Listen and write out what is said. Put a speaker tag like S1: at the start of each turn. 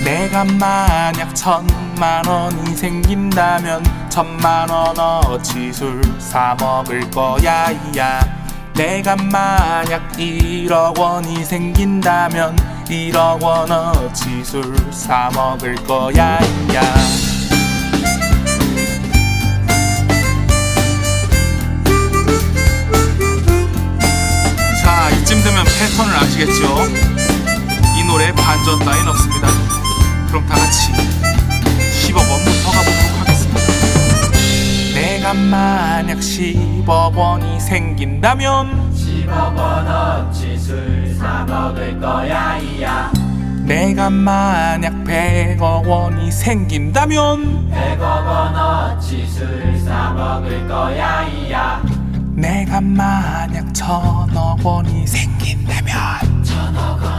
S1: 내가 만약 1,000만원이 생긴다면 1,000만원어치 술 사 먹을 거야 이야. 내가 만약 1억 원이 생긴다면 1억 원어치 술 사 먹을 거야 이야. 자, 이쯤 되면 패턴을 아시겠죠? 이 노래 반전 따윈 없습니다. 그럼 다 같이 10억 원부터 가보도록 하겠습니다. 내가 만약 10억 원이 생긴다면
S2: 10억 원어치 술 사 먹을 거야 이야.
S1: 내가 만약 100억 원이 생긴다면
S2: 100억 원어치 술 사 먹을 거야 이야.
S1: 내가 만약 1,000억 원이 생긴다면
S2: 1,000억